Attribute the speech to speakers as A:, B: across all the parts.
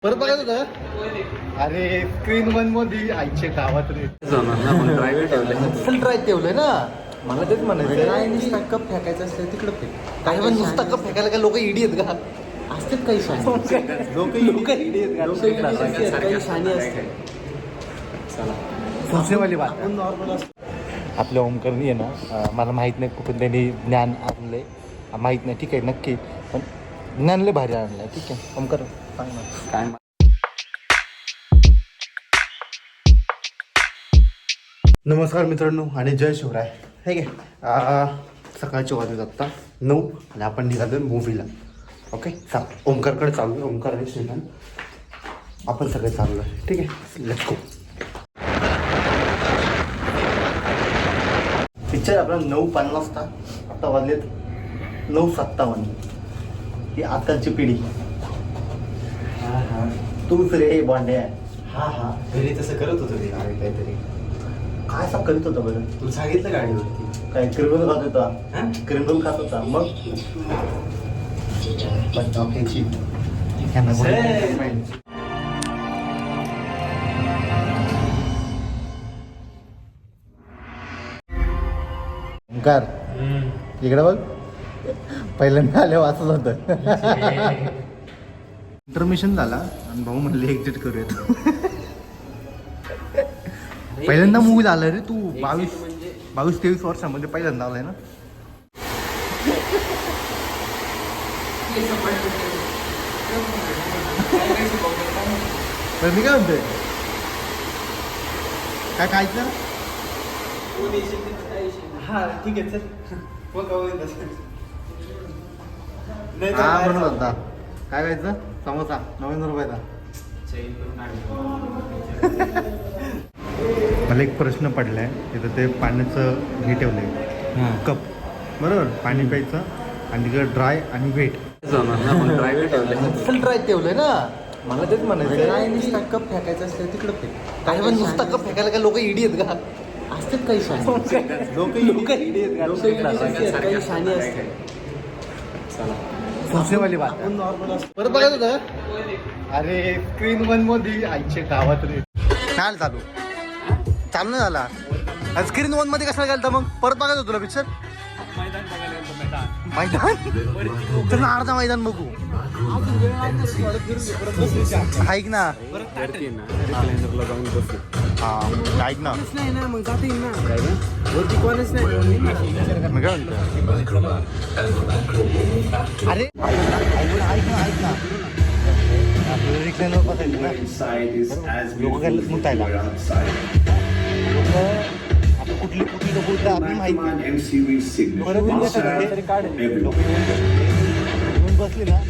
A: परत बघायचं होतं. अरे स्क्रीन वन मध्ये आईच्या गावात रे ड्राय ठेवलंय ना. मला तेच म्हणायचं
B: काय नुसता कप फेकायचा असतं तिकडं फेक.
A: काही पण नुसता कप फेकायला काय लोक इडी आहेत का?
B: असतात काही शाणी
A: लोक इडी आहेत का?
B: काही शाणी असतात.
A: सोचनेवाली बात.
B: आपण नॉर्मल असतो.
A: आपल्या ओमकरणी आहे ना, मला माहीत नाही कुठून त्यांनी ज्ञान आणलंय माहीत नाही. ठीक आहे नक्की, पण ज्ञान लय भारी आणलंय. ठीक आहे ओमकर सांग ना
B: काय
A: नमस्कार मित्रांनो आणि जय शिवराय. ठीक आहे, सकाळचे वाजत आत्ता 9 आणि आपण निघालो मूवीला. ओके ओमकारकडे चालू आहे. ओमकार आणि श्रीकांत आपण सगळे चाललो आहे. ठीक आहे लेट्स गो. पिक्चर आपला 9:50चा. आता वाजलेत 9:57. ही आजकालची पिढी. हां हां तूच रे बॉन्ड्या. हां हां
B: घरी तसं करत होतं ते काहीतरी.
A: काय असं करीत होता बरं?
B: तुला सांगितलं गाडीवरती
A: काय क्रिमिनल खात होता? क्रिमिनल खात होता मग ओंकार इकडे बघ. पहिल्यांदा आल्यावर असंच होतं. इंटरमिशन झाला आणि भाऊ म्हणले एक्झिट करूयात. पहिल्यांदा मूवी आलाय रे तू. 22-23 वर्षामध्ये पहिल्यांदा आलाय ना. मी काय म्हणतोय काय खायचं?
B: हा ठीक आहे चल.
A: हा म्हणून होता. काय खायचं? समोसा 9 रुपयाचा. मला एक प्रश्न पडलाय तिथं. ते पाण्याचं हे ठेवलंय कप बरोबर. पाणी प्यायचं आणि तिकडे ड्राय आणि वेट. ड्राय ठेवलंय ना. मला तेच म्हणायचं
B: काय नुसता कप फेकायचा असतं तिकडं फेक.
A: काही पण नुसता कप फेकायला काय लोक इडी आहेत का?
B: असतात काही शाणी
A: लोक इडी आहेत का?
B: काही शाणी असतात.
A: सोचनेवाली बात.
B: आपण नॉर्मल असतो.
A: परत बघायचं होतं. अरे स्क्रीन वन मध्ये आईच्या गावात रे. काय चालू नाही झाला. स्क्रीन वन मध्ये कशाला गेलता मग? परत बघायचं तुला पिक्चर. मैदान तर ना अर्धा मैदान बघू. ऐक ना हा ऐक ना
B: मग जाता येईल ना. वरती कोणच नाही.
A: मग काय म्हणतो अरे ऐक ना आपल्याला रिक्लाइनवर बसायचं ना. लोक गेलं मुतायला. लोक आता कुठली लोक उठलं आपली माहिती परत लोक येऊन बसली ना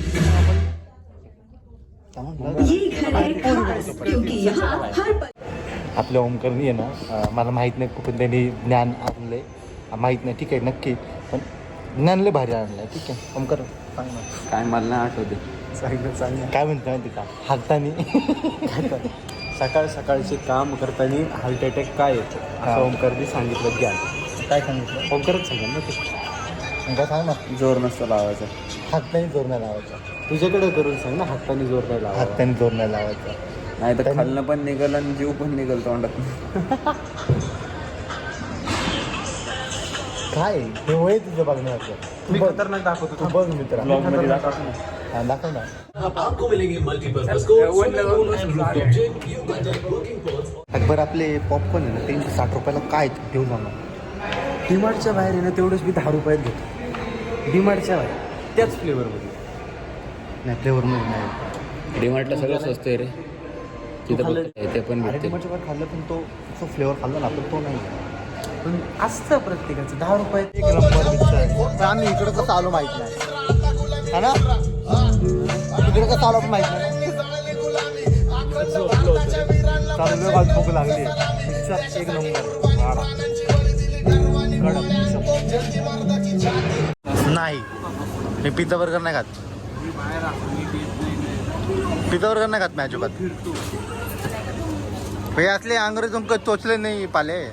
A: आपल्या ओमकरणी आहे ना, मला माहीत नाही कुठून त्यांनी ज्ञान आणलंय माहीत नाही. ठीक आहे नक्की, पण ज्ञान लय भारी आणलंय. ठीक आहे ओमकर सांग ना
B: काय मला नाही आठवते.
A: सांग काय म्हणतो माहिती का? हाताने
B: सकाळचे काम करताना हार्ट अटॅक काय येतो असं ओमकारने सांगितलं. ज्ञान
A: काय सांगितलं?
B: ओमकारच सांगा ना ते.
A: काय सांग ना.
B: जोर नसतं लावायचा.
A: हाताने जोर नाही लावायचा.
B: तुझ्याकडे करून सांग ना. हाताने जोर नाही लावायचा.
A: हाताने जोर नाही लावायचा.
B: नाही तर खाल्लं पण निघल आणि जीव पण निघल तोंडात.
A: काय हे वय तुझं बघण्याचं.
B: मी खतरनाक दाखवतो.
A: तू बघ मित्र.
B: ब्लॉग मध्ये दाखव ना.
A: हा दाखव ना. अकबर आपले पॉपकॉर्न आहे ना 360 रुपयाला काय घेऊन जाणार.
B: डीमार्टच्या बाहेर आहे ना तेवढंच मी 10 रुपयात घेतो. डीमार्टच्या बाहेर त्याच फ्लेवरमध्ये.
A: नाही फ्लेवर नाही.
C: डीमार्टला सगळं स्वस्त आहे रे. तिथं ते पण भेटते.
A: डिमार्टच्या बाहेर खाल्लं पण तो फ्लेवर खाल्ला ना पण तो नाही.
B: पण असतं प्रत्येकाचं 10 रुपयात.
A: एक नंबर पिक्चर आहे. पण आम्ही इकडं कसं आलो माहित नाही. हा ना इकडे कसं आलो पण माहित नाही. चालू बाजू भूक लागली. पिक्चर एक नंबर. नाही मी पिझ्झा बर्गर नाही खात. पिझ्झा बर्गर नाही खात मी अजिबात. हे असले अंग्रेजों चोचले नाही पाले.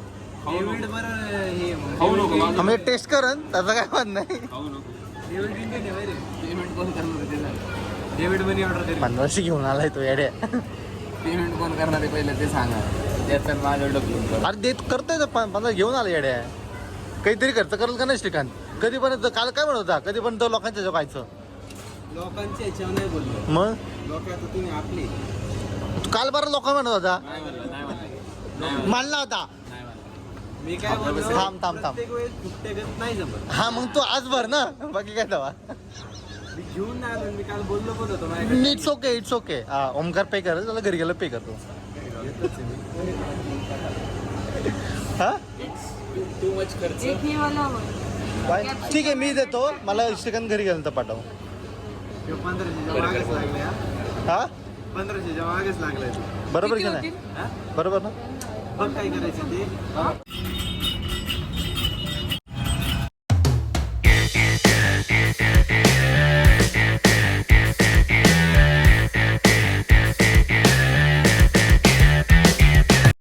A: आम्ही टेस्ट करन त्याचा काय वाद नाही.
B: डेव्हिड मनी ऑर्डर दिली.
A: 1500 घेऊन आलाय तो येड्या.
C: पेमेंट कोण करणार आहे पहिलं ते सांगा. त्याचं माझं डोकं.
A: अरे देत करतोय 15 घेऊन आला येड्या. काहीतरी खर्च करेल का नाही श्रीकांत. कधीपर्यंत काल काय म्हणत होता कधीपर्यंत लोकांच्या जो खायचं
B: लोकांच्या ह्याच्यावर नाही बोललो.
A: मग
B: लोक आता तुम्ही आपली
A: काल बरं लोक म्हणत होता
C: नाही म्हणलं.
A: मानला होता.
B: मी काय बोललो
A: थांब.
B: प्रत्येक वेळेस फुकटेगत नाही जमत.
A: हा मग तू आज भर ना बाकी काय दवा.
B: मी घेऊन नाही आलो. मी काल बोललो पण होतो माझ्याकडे.
A: इट्स ओके ओमकार पे कर त्याला घरी गेलं पे करतो. हा
C: टू मच खर्च.
D: एक हे वाला हवं.
A: बाय ठीक आहे मी देतो मला श्रीकांत घरी गेलं तर पाठव.
B: 1500च्या मागेच लागले.
A: हा
B: 1500च्या मागेच लागलाय.
A: बरोबर की
D: किती
A: नाही
D: होतील?
B: हा?
A: बरोबर ना
B: बघ काय करायचं ते.